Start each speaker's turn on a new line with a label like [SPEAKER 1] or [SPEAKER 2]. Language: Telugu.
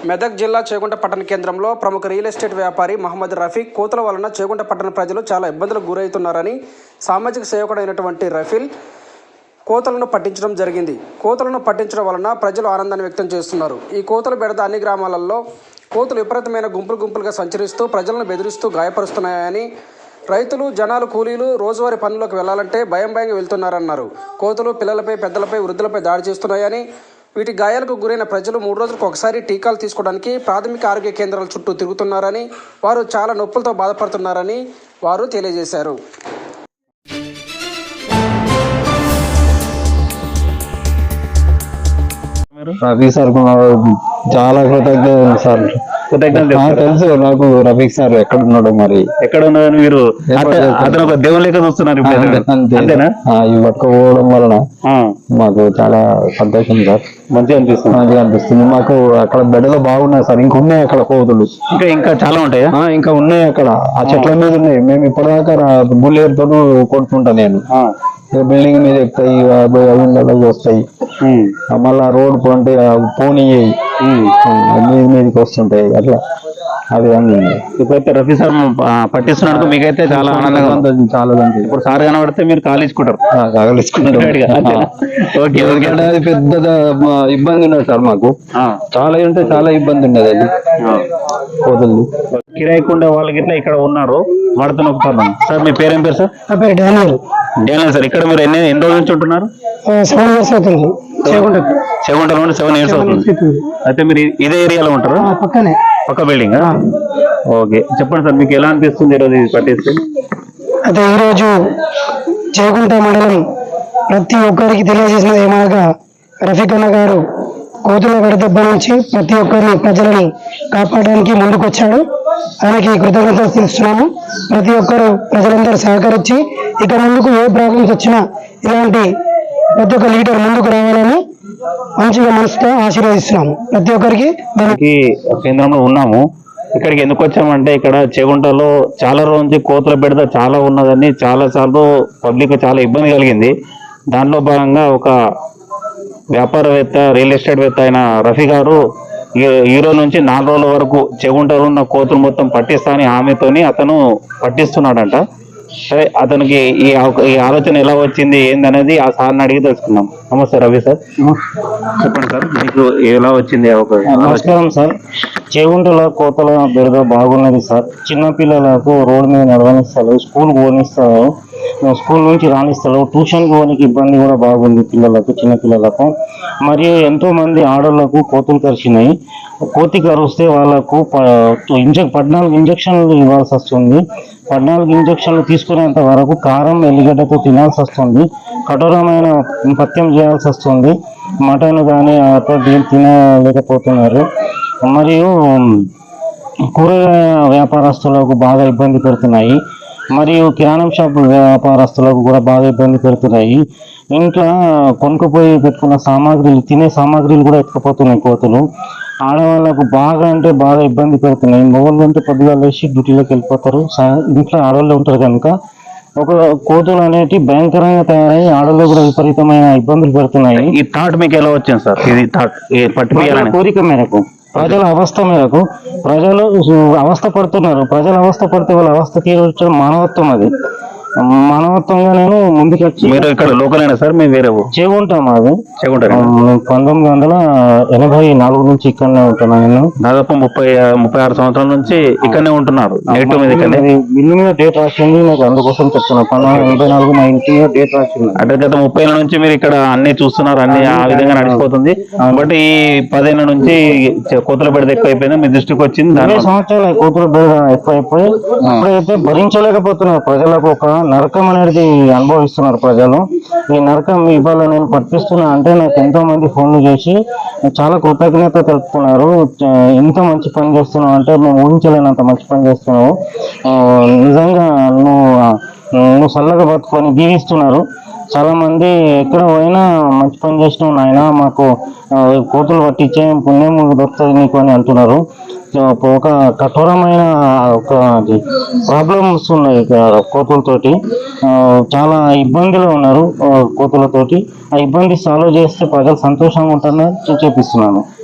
[SPEAKER 1] మెదక్ జిల్లా చేగుంట పట్టణ కేంద్రంలో ప్రముఖ రియల్ ఎస్టేట్ వ్యాపారి మహమ్మద్ రఫీక్ కోతుల వలన చేగుంట పట్టణ ప్రజలు చాలా ఇబ్బందులకు గురవుతున్నారని సామాజిక సేవకుడైనటువంటి రఫీల్ కోతలను పట్టించడం జరిగింది. కోతలను పట్టించడం వలన ప్రజలు ఆనందాన్ని వ్యక్తం చేస్తున్నారు. ఈ కోతల బెడద అన్ని గ్రామాలలో కోతులు విపరీతమైన గుంపులుగా సంచరిస్తూ ప్రజలను బెదిరిస్తూ గాయపరుస్తున్నాయని, రైతులు జనాలు కూలీలు రోజువారీ పనులకు వెళ్లాలంటే భయంగా వెళ్తున్నారన్నారు. కోతులు పిల్లలపై పెద్దలపై వృద్ధులపై దాడి చేస్తున్నాయని, వీటి గాయాలకు గురైన ప్రజలు 3 రోజులకు ఒకసారి టీకాలు తీసుకోవడానికి ప్రాథమిక ఆరోగ్య కేంద్రాల చుట్టూ తిరుగుతున్నారని, వారు చాలా నొప్పులతో బాధపడుతున్నారని వారు తెలియజేశారు.
[SPEAKER 2] రఫీక్ సార్ చాలా కృతజ్ఞతలు సార్. తెలుసు నాకు రఫీక్ సార్ ఎక్కడ ఉన్నాడు, మరి
[SPEAKER 3] ఎక్కడ ఉన్నాడు మీరు అతను ఒక దేవుని లెక్క చూస్తున్నారు.
[SPEAKER 2] ఈ పట్టుకోవడం వలన మాకు చాలా సంతోషం సార్. మంచిగా అనిపిస్తుంది మాకు. అక్కడ బెడలు బాగున్నాయి సార్. ఇంకా ఉన్నాయి అక్కడ కోతులు,
[SPEAKER 3] ఇంకా చాలా ఉంటాయా?
[SPEAKER 2] ఇంకా ఉన్నాయి అక్కడ. ఆ చెట్ల మీద ఉన్నాయి. మేము ఇప్పటిదాకా బుల్లెట్తో కొడుతుంటా నేను. బిల్డింగ్ మీద ఎక్కుతాయి, వస్తాయి, మళ్ళా రోడ్ అంటే పోనీ మీదకి వస్తుంటాయి. అట్లా అది
[SPEAKER 3] ఇప్పుడైతే రఫీ సార్ పట్టిస్తున్నందుకు మీకైతే చాలా ఆనందంగా ఉంటుంది.
[SPEAKER 2] చాలా
[SPEAKER 3] ఇప్పుడు సార్ కనబడితే మీరు కాలేసుకుంటారు.
[SPEAKER 2] అది పెద్ద ఇబ్బంది ఉన్నది సార్ మాకు. చాలా అంటే చాలా ఇబ్బంది ఉన్నది అది. కోతులు
[SPEAKER 3] కిరాయికుండా వాళ్ళకి ఇట్లా ఇక్కడ ఉన్నారు వాడుతున్న ఒక సార్. మీ పేరేం పేరు సార్? Daniel sir. ఇక్కడ మీరు ఎన్ని రోజుల నుంచి ఉంటున్నారు?
[SPEAKER 4] 7 years అవుతుంది.
[SPEAKER 3] చేగుంటలో 7 years అవుతుంది. అయితే మీరు ఇదే ఏరియాలో ఉంటారు? పక్క బిల్డింగ్. ఓకే, చెప్పండి సార్, మీకు ఎలా అనిపిస్తుంది ఈరోజు ఇది పట్టేస్తే?
[SPEAKER 4] అయితే ఈరోజు చేగుంట మండలం ప్రతి ఒక్కరికి తెలియజేసినది ఏమనగా, రఫీక్ అన్న గారు కోతుల వడదెబ్బ నుంచి ప్రతి ఒక్కరిని ప్రజలని కాపాడడానికి ముందుకొచ్చాడు. ఆయనకి కృతజ్ఞతలు తెలుస్తున్నాము. ప్రతి ఒక్కరు ప్రజలందరూ సహకరించి ఇక ముందుకు ఏ ప్రాబ్లమ్స్ వచ్చినా ఇలాంటి ప్రతి ఒక్క లీడర్ ముందుకు రావాలని మంచిగా మనసుతో ఆశీర్వదిస్తున్నాము. ప్రతి ఒక్కరికి
[SPEAKER 3] కేంద్రంలో ఉన్నాము. ఇక్కడికి ఎందుకు వచ్చామంటే, ఇక్కడ చేగుంటలో చాలా రోజు నుంచి కోతుల బెడద చాలా ఉన్నదని చాలా సార్లు పబ్లిక్ చాలా ఇబ్బంది కలిగింది. దాంట్లో భాగంగా ఒక వ్యాపారవేత్త, రియల్ ఎస్టేట్ వేత్త అయిన రఫీ గారు ఈ రోజు నుంచి 4 రోజుల వరకు చేగుంటలో ఉన్న కోతులు మొత్తం పట్టిస్తానని హామీతోని అతను పట్టిస్తున్నాడంట. సరే, అతనికి ఈ ఆలోచన ఎలా వచ్చింది ఏందనేది ఆ సార్ని అడిగి తెలుసుకున్నాం. నమస్తే రవి సార్. చెప్పండి సార్, మీకు ఎలా వచ్చింది?
[SPEAKER 2] నమస్కారం సార్. చేగుంటలో కోతల బెడద బాగున్నది సార్. చిన్నపిల్లలకు రోడ్డు మీద నడవనిస్తారు, స్కూల్ పోనిస్తారు, స్కూల్ నుంచి రానిస్తారు, ట్యూషన్ పోనికి ఇబ్బంది కూడా బాగుంది పిల్లలకు, చిన్నపిల్లలకు. మరియు ఎంతో మంది ఆడవాళ్లకు కోతులు కరిచినాయి. కోతి కరిస్తే వాళ్ళకు 14 ఇంజక్షన్లు ఇవ్వాల్సి వస్తుంది. 14 ఇంజక్షన్లు తీసుకునేంత వరకు కారం, ఎల్లిగడ్డతో తినాల్సి వస్తుంది. కఠోరమైన పథ్యం చేయాల్సి వస్తుంది. మటన్ కానీ తినలేకపోతున్నారు. మరియు కూరగాయ వ్యాపారస్తులకు బాగా ఇబ్బంది పెడుతున్నాయి. మరియు కిరాణం షాపు వ్యాపారస్తులకు కూడా బాగా ఇబ్బంది పెడుతున్నాయి. ఇంట్లో కొనుక్కపోయి పెట్టుకున్న సామాగ్రిలు, తినే సామాగ్రిలు కూడా ఎత్తుకుపోతున్నాయి కోతులు. ఆడవాళ్ళకు బాగా అంటే బాగా ఇబ్బంది పెడుతున్నాయి. మొగళ్ళు అంటే పొద్దుగా లేచి డ్యూటీలోకి వెళ్ళిపోతారు. ఇంట్లో ఆడవాళ్ళు ఉంటారు కనుక ఒక కోతులు అనేవి భయంకరంగా తయారై ఆడవాళ్ళు కూడా విపరీతమైన ఇబ్బందులు పెడుతున్నాయి.
[SPEAKER 3] ఈ థాట్ మీకు ఎలా వచ్చింది సార్? ఇది థాట్
[SPEAKER 2] కోరిక మేరకు, ప్రజల అవస్థ మేరకు ప్రజలు అవస్థ పడుతున్నారు. ప్రజల అవస్థ పడితే వాళ్ళ అవస్థ తీర్చడం మానవత్వం. అది మానవత్వంగా నేను ముందుకు వచ్చి.
[SPEAKER 3] మీరు ఇక్కడ లోకలేనా సార్? మేము వేరే
[SPEAKER 2] చేగుంటాం. అది 1984 నుంచి ఇక్కడనే ఉంటున్నా. నేను
[SPEAKER 3] దాదాపు 36 సంవత్సరాల నుంచి ఇక్కడనే ఉంటున్నారు.
[SPEAKER 2] ఇల్లు మీద డేట్ రాసింది నాకు, అందుకోసం చెప్తున్నా. 1984 మా ఇంటి మీద డేట్ రాసింది.
[SPEAKER 3] అంటే గత 30 ఏళ్ళ నుంచి మీరు ఇక్కడ అన్ని చూస్తున్నారు, అన్ని ఆ విధంగా నడిచిపోతుంది. బట్ ఈ 10 ఏళ్ళ నుంచి కోతుల బెడద ఎక్కువైపోయింది, మీ దృష్టికి వచ్చింది.
[SPEAKER 2] 20 సంవత్సరాలు కోతుల బెడద ఎక్కువైపోయి ఇప్పుడైతే భరించలేకపోతున్నారు. ప్రజలకు ఒక నరకం అనేది అనుభవిస్తున్నారు ప్రజలు. ఈ నరకం ఇవాళ నేను పట్టిస్తున్నా అంటే నాకు ఎంతో మంది ఫోన్లు చేసి చాలా కృతజ్ఞత తెలుపుతున్నారు. ఎంత మంచి పని చేస్తున్నావు అంటే, మేము ఊహించలేనంత మంచి పని చేస్తున్నావు, నిజంగా నువ్వు చల్లగా బతుకొని దీవిస్తున్నారు. చాలా మంది ఎక్కడ పోయినా మంచి పని చేసినావు నాయన, మాకు కోతులు పట్టించే పుణ్యం దొరుకుతుంది నీకు అని అంటున్నారు. ఒక కఠోరమైన ఒక ప్రాబ్లమ్స్ ఉన్నాయి కోతులతోటి. చాలా ఇబ్బందులు ఉన్నారు కోతులతోటి. ఆ ఇబ్బంది సాల్వ్ చేస్తే ప్రజలు సంతోషంగా ఉంటారని చూపిస్తున్నాను.